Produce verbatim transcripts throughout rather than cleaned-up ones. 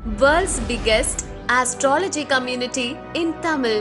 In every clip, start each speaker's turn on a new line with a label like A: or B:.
A: World's biggest astrology community in Tamil.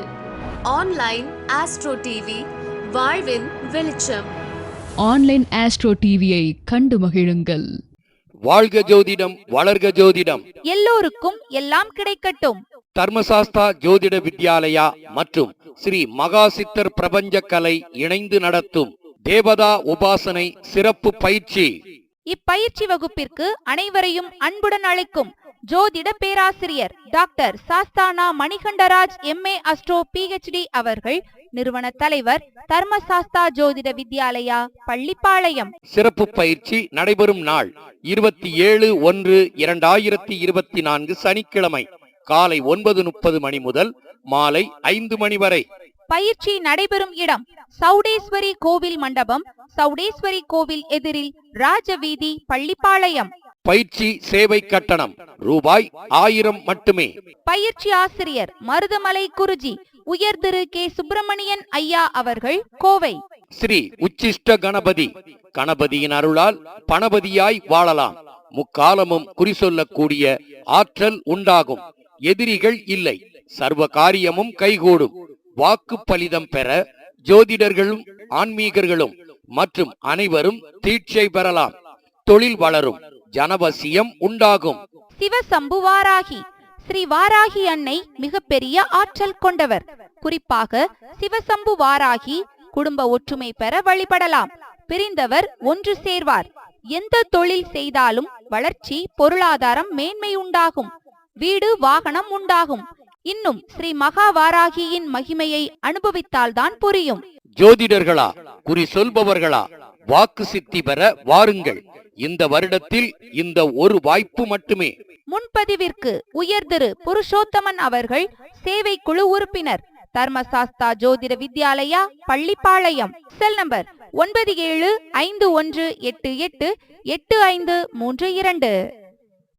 A: Online Astro T V, வாழ்வின் வெளிச்சம்.
B: Online astro டிவியை கண்டு மகிழுங்கள்.
C: வாழ்க ஜோதிடம், வளர்க ஜோதிடம்,
D: எல்லோருக்கும் எல்லாம் கிடைக்கட்டும்.
C: தர்மசாஸ்தா ஜோதிட வித்யாலயா மற்றும் ஸ்ரீ மகாசித்தர் பிரபஞ்ச கலை இணைந்து நடத்தும் தேவதா உபாசனை சிறப்பு பயிற்சி.
D: இப்பயிற்சி வகுப்பிற்கு அனைவரையும் அன்புடன் அழைக்கும் ஜோதிட பேராசிரியர் doctor Sasthana Manikandaraj M A astro P H D அவர்கள், நிறுவன தலைவர், தர்மசாஸ்தா ஜோதிட வித்யாலயா, பள்ளிப்பாளையம்.
C: சிறப்பு பயிற்சி நடைபெறும் நாள் இருபத்தி ஏழு ஒன்று இரண்டாயிரத்தி இருபத்தி நான்கு சனிக்கிழமை காலை ஒன்பது முப்பது மணி முதல் மாலை ஐந்து மணி வரை.
D: பயிற்சி நடைபெறும் இடம் சௌடேஸ்வரி கோவில் மண்டபம், சௌடேஸ்வரி கோவில் எதிரில் ராஜவீதி, பள்ளிப்பாளையம்.
C: பயிற்சி சேவை கட்டணம் ரூபாய் ஆயிரம் மட்டுமே.
D: பயிற்சி ஆசிரியர் மருதமலை குருஜி உயர் திரு கே சுப்பிரமணியன் ஐயா அவர்கள், கோவை.
C: ஸ்ரீ உச்சிஷ்ட கணபதி, கணபதியின் அருளால் பணபதியாய் வாழலாம். முக்காலமும் குறி சொல்லக்கூடிய ஆற்றல் உண்டாகும். எதிரிகள் இல்லை. சர்வ காரியமும் கைகூடும். வாக்கு பலிதம் பெற ஜோதிடர்களும் ஆன்மீகர்களும் மற்றும் அனைவரும் தீட்சை பெறலாம். தொழில் வளரும். ஜனவசியம் உண்டாகும்.
D: சிவசம்பு வாராகி, ஸ்ரீ வாராகி அன்னை மிக பெரிய ஆற்றல் கொண்டவர். குறிப்பாக சிவசம்பு வாராகி குடும்ப ஒற்றுமை பெற வழிபடலாம். பிரிந்தவர் ஒன்று சேர்வார். எந்த தொழில் செய்தாலும் வளர்ச்சி, பொருளாதாரம், மேன்மை உண்டாகும். வீடு, வாகனம் உண்டாகும். இன்னும் ஸ்ரீ மகா வாராகியின் மகிமையை அனுபவித்தால்தான் புரியும்.
C: ஜோதிடர்களா, குறி சொல்பவர்களா, வாக்கு சித்தி பெற வாருங்கள். இந்த வருடத்தில் இந்த ஒரு வாய்ப்பு மட்டுமே.
D: முன்பதிவிற்கு உயர் திரு புருஷோத்தமன் அவர்கள், சேவை குழு உறுப்பினர், தர்மசாஸ்தா ஜோதிட வித்யாலயா, பள்ளிப்பாளையம். செல் நம்பர் ஒன்பது ஏழு ஐந்து ஒன்று எட்டு எட்டு எட்டு ஐந்து மூன்று இரண்டு.